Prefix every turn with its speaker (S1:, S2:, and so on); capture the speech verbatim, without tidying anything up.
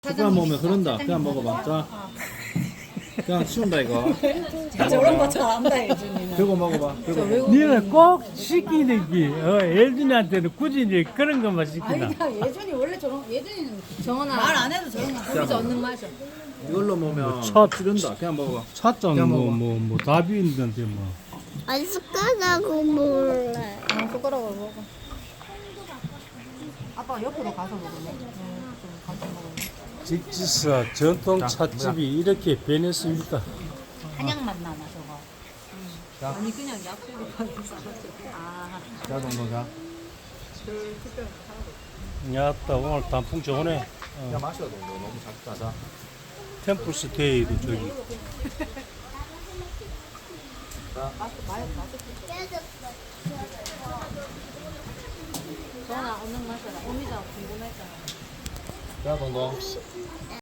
S1: 숟가락 먹으면 흐른다. 그냥 먹어봐. 자, 그냥 치운다 이거.
S2: 저런 거 잘 안다 예준이는.
S1: 들고 먹어봐. 들고.
S3: 니는 꼭 시키는 게 어, 예준이한테는 굳이 이제 그런 것만 시키나.
S2: 아니야 예준이 원래 저런 예준이는
S4: 정원아
S2: 말 안 해도 저런 거 하고.
S4: 그저 얻는 맛이야.
S1: 이걸로 먹으면
S3: 첫-
S1: 찌른다. 그냥 먹어봐.
S3: 찻잔
S1: 그냥
S3: 뭐
S1: 먹어.
S3: 뭐 뭐 답이 있는데 뭐.
S5: 아니 숟가락으로 먹을래.
S2: 아, 숟가락으로 먹어. 아빠 옆으로 가서 먹을래? 응, 좀 같이 먹을래?
S3: 직지사 전통
S1: 자,
S3: 찻집이 이렇게 변했습니다.
S2: 한약 맛 나나 저거.
S4: 아니 그냥 약국에 가서 싸가지고.
S2: 아,
S1: 자, 정도 자.
S3: 야따 오늘 단풍 좋네.
S1: 그냥 마셔 정도. 너무 작다. 자.
S3: 템플스테이도 저기.
S4: 정원아 얻는 맛이야. 오미자 궁금했잖아.
S1: 자, 정도.